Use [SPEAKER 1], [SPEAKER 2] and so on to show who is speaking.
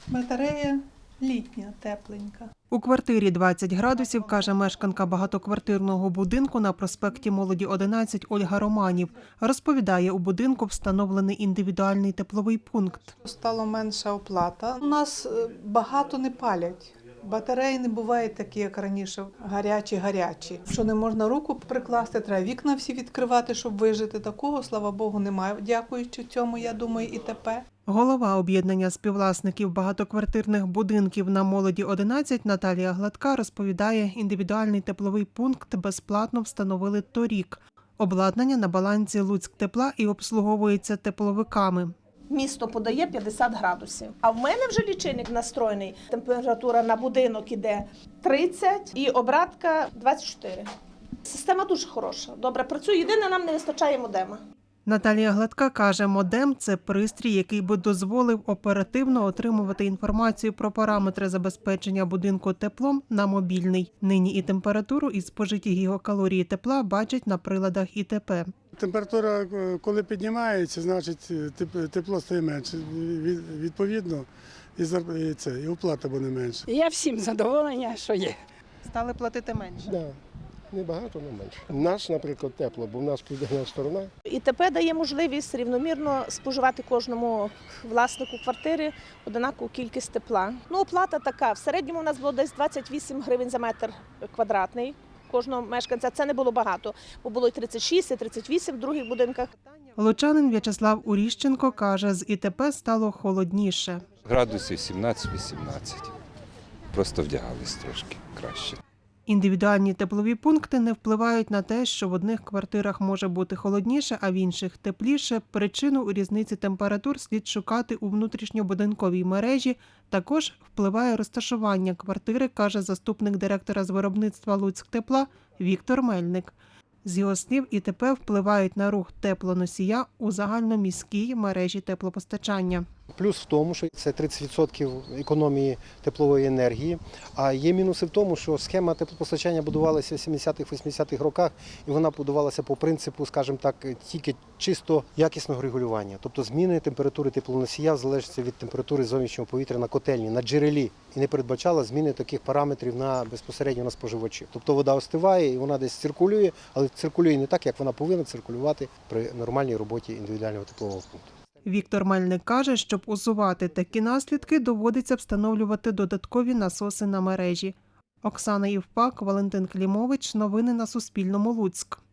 [SPEAKER 1] Батарея літня, тепленька.
[SPEAKER 2] У квартирі 20 градусів, каже мешканка багатоквартирного будинку на проспекті Молоді 11 Ольга Романів. Розповідає, у будинку встановлений індивідуальний тепловий пункт.
[SPEAKER 1] Стало менша оплата. У нас багато не палять. Батареї не бувають такі, як раніше, гарячі. Що не можна руку прикласти, треба вікна всі відкривати, щоб вижити. Такого, слава Богу, немає. Дякуючи цьому, я думаю, і тепер.
[SPEAKER 2] Голова об'єднання співвласників багатоквартирних будинків на Молоді 11 Наталія Гладка розповідає, індивідуальний тепловий пункт безплатно встановили торік. Обладнання на балансі Луцьктепла і обслуговується тепловиками.
[SPEAKER 3] Місто подає 50 градусів. А в мене вже лічильник настроєний. Температура на будинок іде 30 і обратка 24. Система дуже хороша, добре працює. Єдине, нам не вистачає модема.
[SPEAKER 2] Наталія Гладка каже, модем – це пристрій, який би дозволив оперативно отримувати інформацію про параметри забезпечення будинку теплом на мобільний. Нині і температуру, і спожиті гігакалорії тепла бачать на приладах ІТП.
[SPEAKER 4] Температура, коли піднімається, значить тепло стає менше. Відповідно, і оплата буде менше.
[SPEAKER 5] Я всім задоволення, що є.
[SPEAKER 2] Стали платити менше?
[SPEAKER 6] Так, небагато, але менше. Наш, наприклад, тепло, бо в нас південна сторона.
[SPEAKER 3] ІТП дає можливість рівномірно споживати кожному власнику квартири однакову кількість тепла. Оплата така, в середньому у нас було десь 28 гривень за метр квадратний. Кожного мешканця це не було багато, бо було і 36, і 38 в других будинках.
[SPEAKER 2] Лучанин В'ячеслав Уріщенко каже, з ІТП стало холодніше.
[SPEAKER 7] Градусів 17-18. Просто вдягались трошки краще.
[SPEAKER 2] Індивідуальні теплові пункти не впливають на те, що в одних квартирах може бути холодніше, а в інших тепліше. Причину у різниці температур слід шукати у внутрішньобудинковій мережі. Також впливає розташування квартири, каже заступник директора з виробництва Луцьктепла Віктор Мельник. З його слів, ІТП впливають на рух теплоносія у загальноміській мережі теплопостачання.
[SPEAKER 6] Плюс в тому, що це 30% економії теплової енергії, а є мінуси в тому, що схема теплопостачання будувалася в 70-х-80-х роках, і вона будувалася по принципу, скажімо так, тільки чисто якісного регулювання. Тобто зміни температури теплоносія залежать від температури зовнішнього повітря на котельні, на джерелі, і не передбачала зміни таких параметрів безпосередньо на споживачів. Тобто вода остиває і вона десь циркулює, але циркулює не так, як вона повинна циркулювати при нормальній роботі індивідуального теплового пункту.
[SPEAKER 2] Віктор Мельник каже, щоб усувати такі наслідки, доводиться встановлювати додаткові насоси на мережі. Оксана Євпак, Валентин Клімович. Новини на Суспільному. Луцьк.